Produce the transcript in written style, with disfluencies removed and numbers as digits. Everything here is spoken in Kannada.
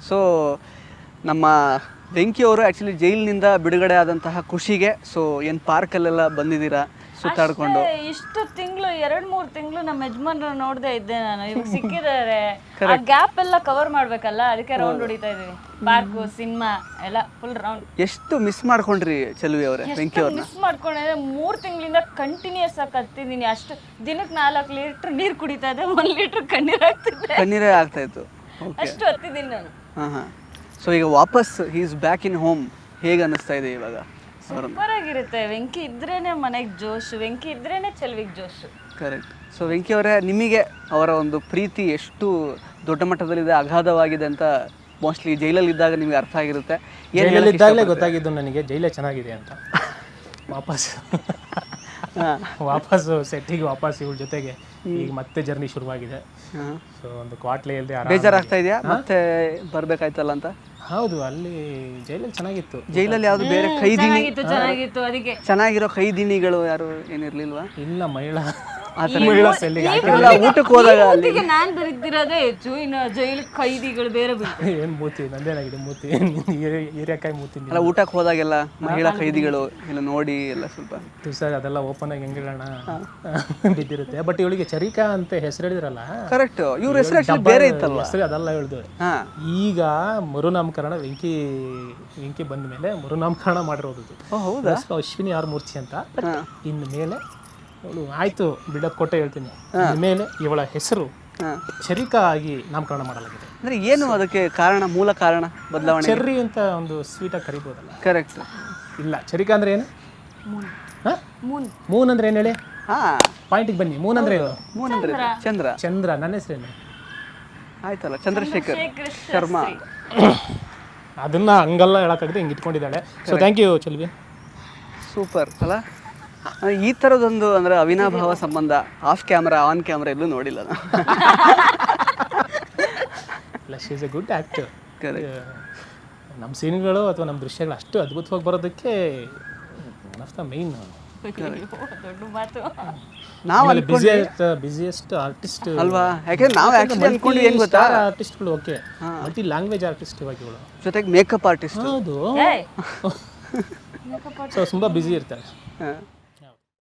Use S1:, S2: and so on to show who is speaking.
S1: ಸೊ ನಮ್ಮ ವೆಂಕಿ ಅವರು ಆ್ಯಕ್ಚುಲಿ ಜೈಲಿನಿಂದ ಬಿಡುಗಡೆ ಆದಂತಹ ಖುಷಿಗೆ ಸೊ ಏನು ಪಾರ್ಕಲ್ಲೆಲ್ಲ ಬಂದಿದ್ದೀರಾ ಸುತ್ತಾಡ್ಕೊಂಡು?
S2: ಇಷ್ಟು ತಿಂಗಳು 2-3 ತಿಂಗಳು ನಮ್ಮ ಯಜಮಾನ್ರು ನೋಡದೆ ಇದ್ದೆ ನಾನು. ಇವಾಗ ಸಿಕ್ಕಿದ್ದಾರೆ, ಆ ಗ್ಯಾಪ್ ಎಲ್ಲ ಕವರ್ ಮಾಡ್ಬೇಕಲ್ಲ, ಅದಕ್ಕೆ ರೌಂಡ್ ಹೊಡಿತಾ ಇದೀವಿ. ಪಾರ್ಕು, ಸಿನಿಮಾ ಎಲ್ಲ ಫುಲ್ ರೌಂಡ್.
S1: ಎಷ್ಟು ಮಿಸ್ ಮಾಡ್ಕೊಂಡ್ರಿ ಚೆಲುವಿ ಅವರೇ ವೆಂಕಿ ಅವ್ರನ್ನ?
S2: ಮಿಸ್ ಮಾಡ್ಕೊಂಡಿದ್ದೆ. 3 ತಿಂಗಳಿಂದ ಕಂಟಿನ್ಯೂಸ್ ಆಗಿ ಕತ್ತಿದ್ದೀನಿ. ಅಷ್ಟು ದಿನಕ್ಕೆ 4 ಲೀಟರ್ ನೀರು ಕುಡಿತಾ ಇದ್ದೆ, 1 ಲೀಟರ್
S1: ಕಣ್ಣೀರೇ ಆಗ್ತಾ ಇತ್ತು.
S2: ಅಷ್ಟು ಹತ್ತಿದ್ದೀನಿ ನಾನು.
S1: ಹಾಂ. ಸೊ ಈಗ ವಾಪಸ್ he is back in home, ಹೇಗೆ ಅನ್ನಿಸ್ತಾ ಇದೆ ಇವಾಗ?
S2: ಸೂಪರ್ ಆಗಿರುತ್ತೆ. ವೆಂಕಿ ಇದ್ರೇನೆ ಮನೆಗೆ ಜೋಶ್, ವೆಂಕಿ ಇದ್ರೇನೆ ಚೆಲುವಿಗೆ ಜೋಶ್.
S1: ಕರೆಕ್ಟ್. ಸೊ ವೆಂಕಿ ಅವರೇ, ನಿಮಗೆ ಅವರ ಒಂದು ಪ್ರೀತಿ ಎಷ್ಟು ದೊಡ್ಡ ಮಟ್ಟದಲ್ಲಿದೆ, ಅಗಾಧವಾಗಿದೆ ಅಂತ ಮೋಸ್ಟ್ಲಿ ಜೈಲಲ್ಲಿ ಇದ್ದಾಗ ನಿಮಗೆ ಅರ್ಥ ಆಗಿರುತ್ತೆ.
S3: ಜೈಲಲ್ಲಿದ್ದಾಗಲೇ ಗೊತ್ತಾಗಿದ್ದು ನನಗೆ ಜೈಲೇ ಚೆನ್ನಾಗಿದೆ ಅಂತ. ವಾಪಸ್ ಸೆಟ್ಟಿಗೆ ವಾಪಸ್ ಇವಳ ಜೊತೆಗೆ ಈಗ ಮತ್ತೆ ಜರ್ನಿ ಶುರುವಾಗಿದೆ. ಸೊ ಒಂದು ಕ್ವಾಟ್ಲೆಯಲ್ಲಿ
S1: ಬೇಜಾರಾಗ್ತಾ ಇದೆಯಾ ಮತ್ತೆ ಬರ್ಬೇಕಾಯ್ತಲ್ಲ ಅಂತ?
S3: ಹೌದು, ಅಲ್ಲಿ ಜೈಲಲ್ಲಿ ಚೆನ್ನಾಗಿತ್ತು.
S1: ಜೈಲಲ್ಲಿ ಯಾವ್ದು ಬೇರೆ ಖೈದಿನಿ
S2: ಚೆನ್ನಾಗಿತ್ತು, ಅದಕ್ಕೆ
S1: ಚೆನ್ನಾಗಿರೋ ಖೈದಿನಿಗಳು ಯಾರು ಏನಿರ್ಲಿಲ್ವಾ?
S3: ಇಲ್ಲ, ಮಹಿಳಾ
S1: ಊಟಕ್ಕೆ ಹೋದಾಗ
S2: ನಾನ್ ಬರೀತಿರೋದೇ ಹೆಚ್ಚು. ಇನ್ನು ಜೈಲು ಖೈದಿಗಳು ಬೇರೆ
S3: ಏನ್ ಮೂತಿ ನಂದೇನಾಗಿದೆ, ಮೂತಿ ಹೀರೆಕಾಯಿ ಮೂತಿ.
S1: ಅಲ್ಲ, ಊಟಕ್ಕೆ ಹೋದಾಗೆಲ್ಲ ಮಹಿಳಾ ಖೈದಿಗಳು ಎಲ್ಲ ನೋಡಿ ಎಲ್ಲ ಸ್ವಲ್ಪ
S3: ಸರ್ ಅದೆಲ್ಲ ಓಪನ್ ಆಗಿ ಹೆಂಗಿಡೋಣ ಬಿದ್ದಿರುತ್ತೆ. ಬಟ್ ಇವಳಿಗೆ ಚರಿಕಾ ಅಂತ ಹೆಸರು ಹೇಳಿದ್ರಲ್ಲ,
S1: ಕರೆಕ್ಟ್. ಇವ್ರ ಹೆಸರು ಬೇರೆ ಇತ್ತಲ್ವ?
S3: ಹೆಸರು ಅದೆಲ್ಲ ಹೇಳಿದ್ರು. ಈಗ ಮರುನಾಮಕರಣ ವೆಂಕಿ ಬಂದ ಮೇಲೆ ಮರುನಾಮಕರಣ ಮಾಡಿರೋದು. ಅಶ್ವಿನಿ ಆರ್ ಮೂರ್ತಿ ಅಂತ. ಇನ್ನು ಮೇಲೆ ಅವಳು ಆಯ್ತು ಬಿಲ್ಡಪ್ ಕೊಟ್ಟೆ ಹೇಳ್ತೀನಿ, ಮೇಲೆ ಇವಳ ಹೆಸರು ಚರಿಕಾ ಆಗಿ ನಾಮಕರಣ ಮಾಡಲಾಗಿದೆ.
S1: ಅಂದ್ರೆ ಏನು ಅದಕ್ಕೆ ಕಾರಣ, ಮೂಲ ಕಾರಣ ಬದಲಾವಣೆ?
S3: ಚೆರ್ರಿ ಅಂತ ಒಂದು ಸ್ವೀಟ್ ಆಗಿ ಕರಿಬೋದಲ್ಲ?
S1: ಕರೆಕ್ಟ್.
S3: ಇಲ್ಲ, ಚರಿಕಾ ಅಂದ್ರೆ ಏನು? ಮೂನ್ ಅಂದ್ರೆ ಏನು ಹೇಳಿ? ಪಾಯಿಂಟಿಗೆ ಬನ್ನಿ. ಮೂನ್ ಅಂದ್ರೆ ಏನು?
S1: ಮೂನ್ ಅಂದ್ರೆ ಚಂದ್ರ.
S3: ಚಂದ್ರ. ನನ್ನ ಹೆಸರೇನು?
S1: ಆಯ್ತಲ್ಲ, ಚಂದ್ರಶೇಖರ್ ಶರ್ಮಾ.
S3: ಅದನ್ನ ಹಂಗಲ್ಲ ಹೇಳಕ್ಕಾಗದೆ ಹಿಂಗೆ ಇಟ್ಕೊಂಡಿದ್ದಾಳೆ. So thank you Chelvi.
S1: Super ಅಲ್ಲ? ಈ ಥರದೊಂದು ಅಂದರೆ ಅವಿನಾಭಾವ ಸಂಬಂಧ ಆಫ್ ಕ್ಯಾಮ್ರಾ ಆನ್ ಕ್ಯಾಮ್ರಾ ಎಲ್ಲೂ ನೋಡಿಲ್ಲ ನಾನು.
S3: She is a good actor. ನಮ್ಮ ಸೀನ್ಗಳು ಅಥವಾ ನಮ್ಮ ದೃಶ್ಯಗಳು ಅಷ್ಟು ಅದ್ಭುತವಾಗಿ ಬರೋದಕ್ಕೆ ಒನ್ ಆಫ್ ದ ಮೇನ್.
S1: ನಾವು
S3: ಬಿಸಿಯೆಸ್ಟ್ ಆರ್ಟಿಸ್ಟ್
S1: ಅಲ್ವಾ? ಯಾಕೆಂದ್ರೆ ನಾವು ಆ್ಯಕ್ಚುಲಿ ಅನ್ಕೊಂಡು ಏನು ಗೊತ್ತಾ,
S3: ಆರ್ಟಿಸ್ಟ್ಗಳು ಓಕೆ, ಮಲ್ಟಿ ಲ್ಯಾಂಗ್ವೇಜ್ ಆರ್ಟಿಸ್ಟ್ ಇವಾಗ ಇವಳು,
S1: ಜೊತೆಗೆ ಮೇಕಪ್ ಆರ್ಟಿಸ್ಟ್.
S3: ಹೌದು. ಸೊ ತುಂಬ ಬ್ಯುಸಿ ಇರ್ತಾರೆ.